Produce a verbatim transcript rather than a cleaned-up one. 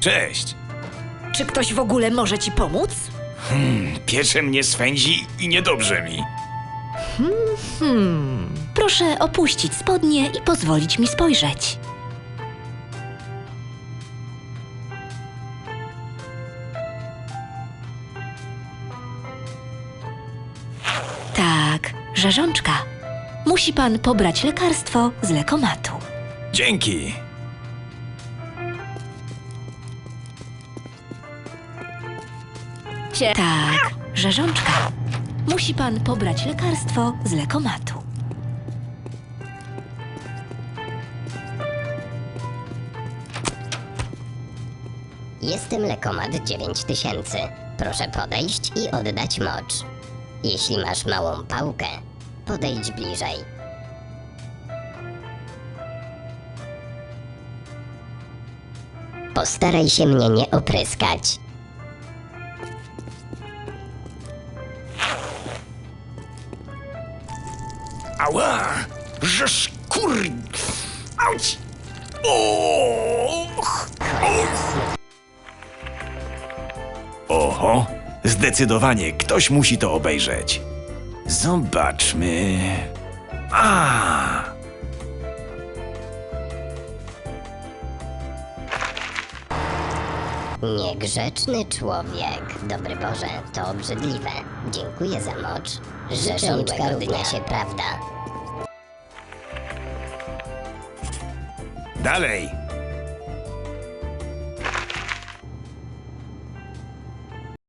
Cześć. Czy ktoś w ogóle może ci pomóc? Piecze mnie swędzi i niedobrze mi. Proszę opuścić spodnie i pozwolić mi spojrzeć. Tak, rzeżączka. Musi pan pobrać lekarstwo z lekomatu. Dzięki. Cie- Tak, rzeżączka. Musi pan pobrać lekarstwo z lekomatu. Jestem Lekomat dziewięć tysięcy. Proszę podejść i oddać mocz. Jeśli masz małą pałkę, podejdź bliżej. Postaraj się mnie nie opryskać. Ała! Żeż kur... Auć! Och! Oho! Zdecydowanie ktoś musi to obejrzeć. Zobaczmy... A! Niegrzeczny człowiek. Dobry Boże, to obrzydliwe. Dziękuję za mocz. Rzeżączka równa się prawda. Dalej!